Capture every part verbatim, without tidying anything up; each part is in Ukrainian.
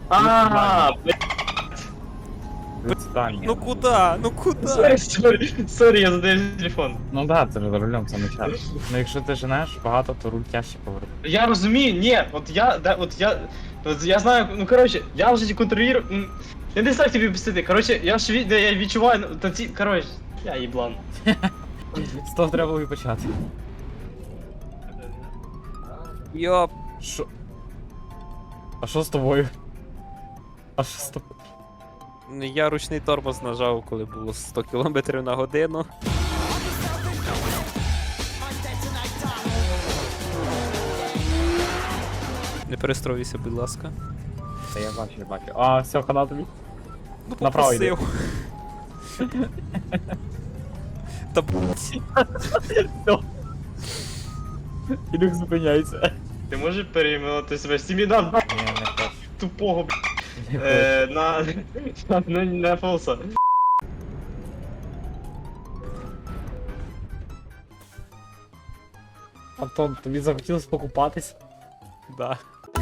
А, Відстань. Ну куда? Ну куда? сорі, сорі, сорі, я задаю телефон. Ну да, це ж за рулем саме час. Ну якщо ти женеш багато, то руль тяжче повернути. Я розумію, ні, от я, да, от я, от я знаю, ну коротше, я вже контролюю, м, я не знаю, як тобі об'яснити, коротше, я ж від- я відчуваю, ну, та ці, коротше, я їблан. З того треба було і почати. Йоп. Що? А що з тобою? А що з тобою? Я ручний тормоз нажав, коли було сто кілометрів на годину. Не перестроюйся, будь ласка. Та я бачу, я бачу. А, все, хана тобі. Ну, Направо йди. попросив. Та блять. Все. Ілюх зупиняється. Ти можеш перейменувати себе з тімі на Ні, не хочу. тупого, б***, Не хочу. е, на, на, на, на фолса. Антон, тобі захотілося покупатись? Да.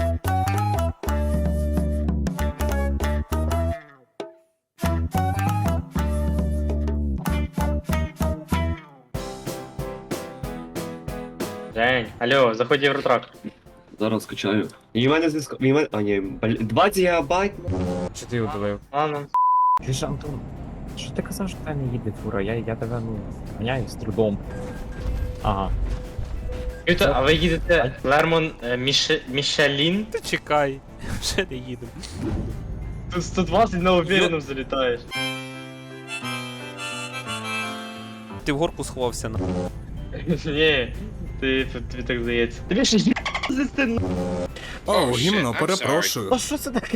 Жень, алло, заходь в Євротрак. Зараз скачаю. І в мене зв'язку. І в мене. А ні, блін, двадцять гігабайт. Чи ти удалив? Ладно. Ти ж, Антон, що ти казав, що в тебе не їде фура? Я, я тебе, ну, ганяю з трудом. Ага. Чуєте, а ви їдете Лермон е, Міше, Мішелін? Ти чекай. Вже не їдемо. Тут сто двадцять на уверенном залітаєш. Ти в горку сховався на. Ні, ти, тобі так здається. Тобі ще є звести на... О, гімно, перепрошую. А що це таке?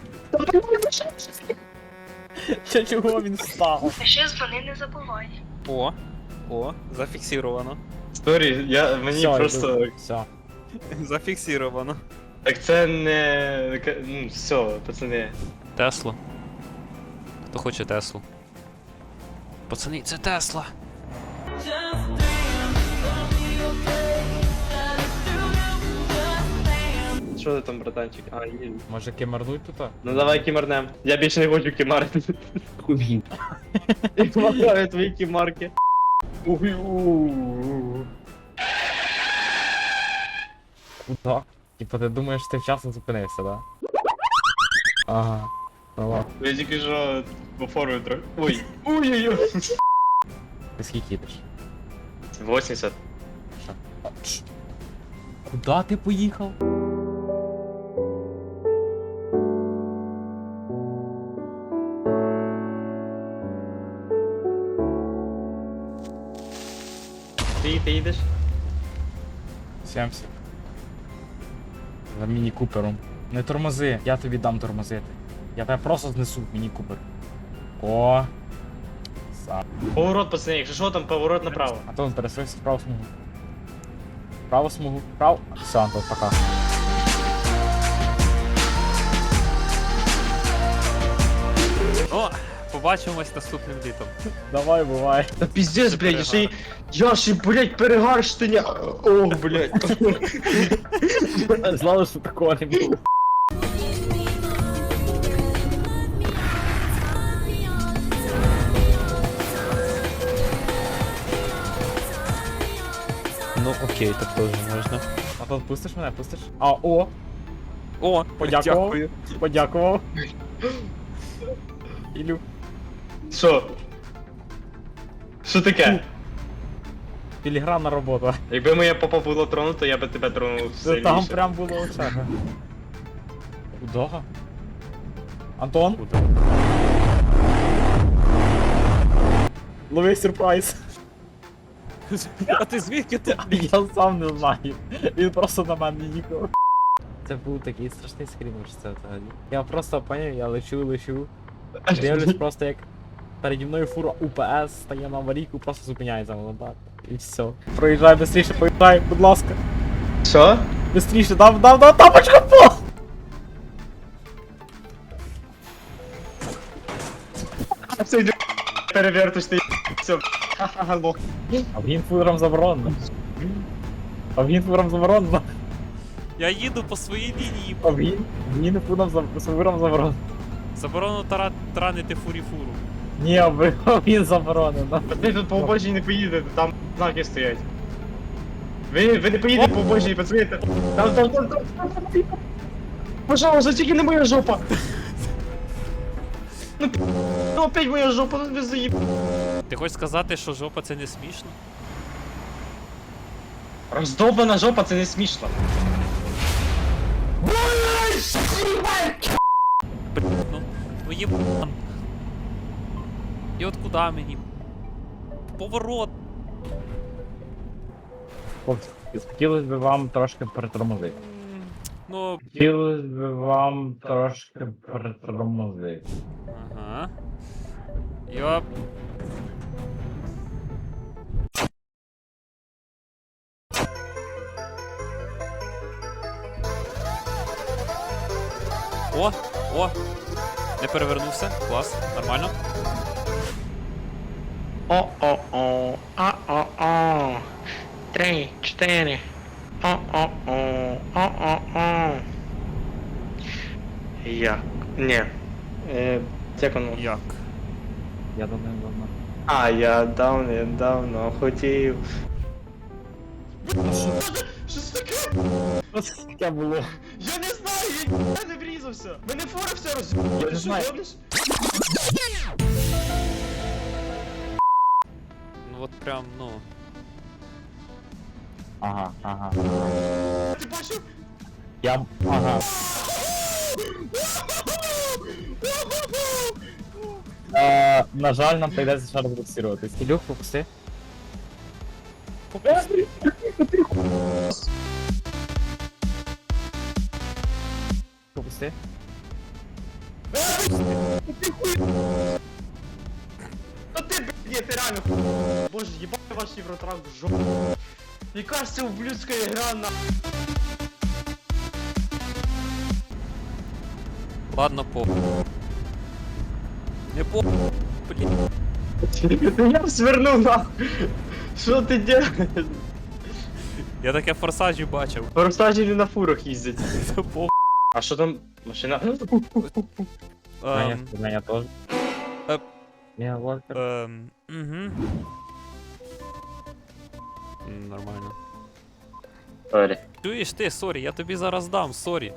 Чи чого він встав? А ще дзвони не забувай. О, о, зафіксировано. Сторі, я, мені Все, просто... йду. Все. Зафіксировано. Так це не... Ну, все, пацани. Теслу. Хто хоче Теслу? Пацани, це Тесла. Що ти там, братанчик? А, ні. Може кимарнуть тут? Ну давай кімарнем. Я більше не хочу кімарити. Хуй. Я помагаю твої кімарки. Уй, у. Куда? Типа ти думаєш, ти вчасно зупинився, да? Ага. Ну ладно. Я тільки що по формі трохи. Ой. Ой-ой-ой. Ти скільки їдеш? вісімдесят. Що? А, тш. Куда ти поїхав? Ти, ти їдеш? сімдесят. За міні-купером. Не тормози, я тобі дам тормозити. Я тебе просто знесу в міні-купер. О. Сам. Поворот, пацани, якщо що, там поворот направо. Антон, перестройся в праву смугу. Праву смугу. Право. Все, Антон, пока. О, побачимось наступним літом. Давай, бувай. Та піздець, блядь, я ще й... Я ще, блядь, перегар штаня. Ох, блядь. Знали, що такого не було. Ну окей, так теж можна. Антон, пустиш мене, пустиш? А, о, О, подякував. дякую. Подякував. Ілю. Що? Що таке? Філігранна робота. Якби моя попа було тронуто, я би тебе тронув сильніше. Там прям було очага. Куда? Антон? Лови сюрприз. А ти звідки ти? Я сам не знаю. Він просто на мене їхав. Це був такий страшний скрін, що це взагалі. Я просто поняв, я лечу, лечу. Дивлюсь просто як переді мною фура УПС стає на аварійку, просто зупиняється воно так. І все. Проїжджай быстріше, проїжджай, будь ласка. Що? Быстріше, дав, дав, дав, тапочка, по! Це йде переверточний. Все. Ха-ха-ха, лох. А в гінфурам заборонено. А в гінфурам заборонено. Я їду по своїй лінії. А він? Він фуром за фуром заборонено. Заборонено тара... таранити фурі-фуру. Ні, ви- він заборонено. Ви тут по обочині не поїдете, там знаки стоять. Ви, ви не поїдете по обочині, пацани. Там, там, там, там, там, там, там. Пожалуйста, тільки не моя жопа. Ну, п- ну опять моя жопа, ну ви заїб... Ти хочеш сказати, що жопа це не смішно? Роздовбана жопа, це не смішно. Ну, ну єбан. І от куди мені? Поворот. Хлопці, хотілося б вам трошки притормозити. М, Ну, Хотілося б вам трошки притормозити. ага. Йоп. О, о! Не перевернувся. Клас, нормально. О-о-о, а-о-о. Три, чотири. О-о-о, о-о-о. Як? Ні. Е, як воно? Як? Я думаю, давно. А, я давно, давно хотів. Що це таке? Що це таке було? Я не знаю, я не врізався. Мене фора все роз... Я не знаю. Ну от прям, ну. Ага, ага. Ти бачив? Я... Ага. Е, на жаль, нам прийдеться ще раз буксируватись. Ілюх, попусти. Попусти. Та ти, блядь, ні, ти реально. Боже, їбать ваш євротрак в жопу. Яка ж це ублюдська гра на... Ладно, по. Не по. Блін. Я б свернув нахуй. Що ти делаєш? Я таке в форсажі бачив. Форсажі не на фурах їздять. Це по. А що там? Машина? Мене, Ем, мене теж. Е. Я Вольтер. ем, угу. Нормально. Сорі. Чуєш ти, сорі, я тобі зараз дам, сорі.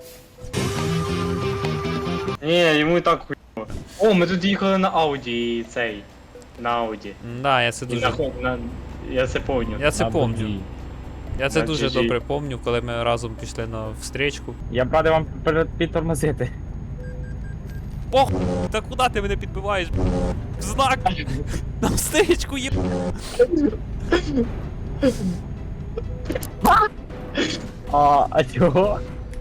Ні, йому і так хуйово. О, ми тут їхали на Ауді і цей. На Ауді. Да, я це І дуже. на, на... Я це помню. Я це На помню. Бензі. Я це На дуже джі джі. добре помню, коли ми разом пішли на встречку. Я б радий вам пер- підтормозити. Похуй, та куди ти мене підбиваєш? В знак! На встречку є. А, а чого?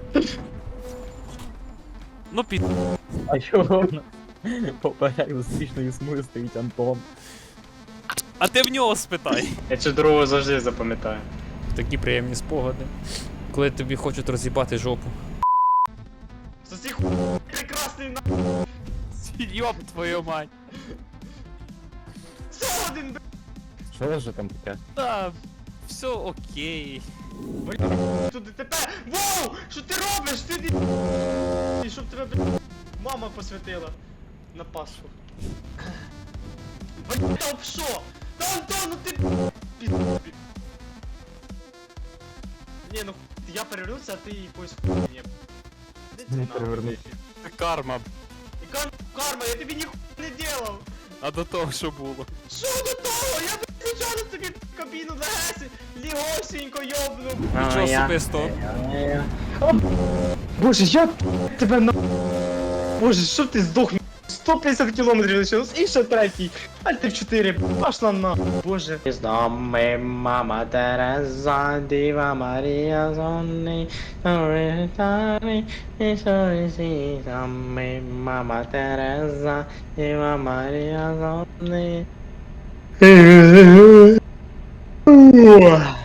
Ну під. А чого? Поперек зустрічної смуги стоїть Антон. А ти в нього спитай. Я цю дорогу завжди запам'ятаю. Такі приємні спогади. Коли тобі хочуть роз'їбати жопу. Це цей хуй прекрасний на... Йоп твою мать. Це один, б***ь. Що ж там таке? Та, все окей. Тут ДТП. Воу! Що ти робиш? Ти не... І щоб тебе, б***ь, мама посвятила на Пасху. Блін, та об що? Та Антон, ну ти... пі***. Ні, ну я перевернувся, а ти якось хуйня. Де ти Не нахуй? перевернувся. Це карма. Яка карма? Я тобі ніхуя не делав. А до того, що було. Що до того? Я б звичайно тобі кабіну легесі, лігосінько йобнув. Нічого особистого. Боже, я тебе на... Боже, що ти здох? сто п'ятдесят кілометрів лишилось, і ще третій. Альти в чотири, пошла на. Боже. З нами мама Тереза, Діва Марія Зонни, Торитари, Ісусі, з нами мама Тереза, Діва Марія Зонни.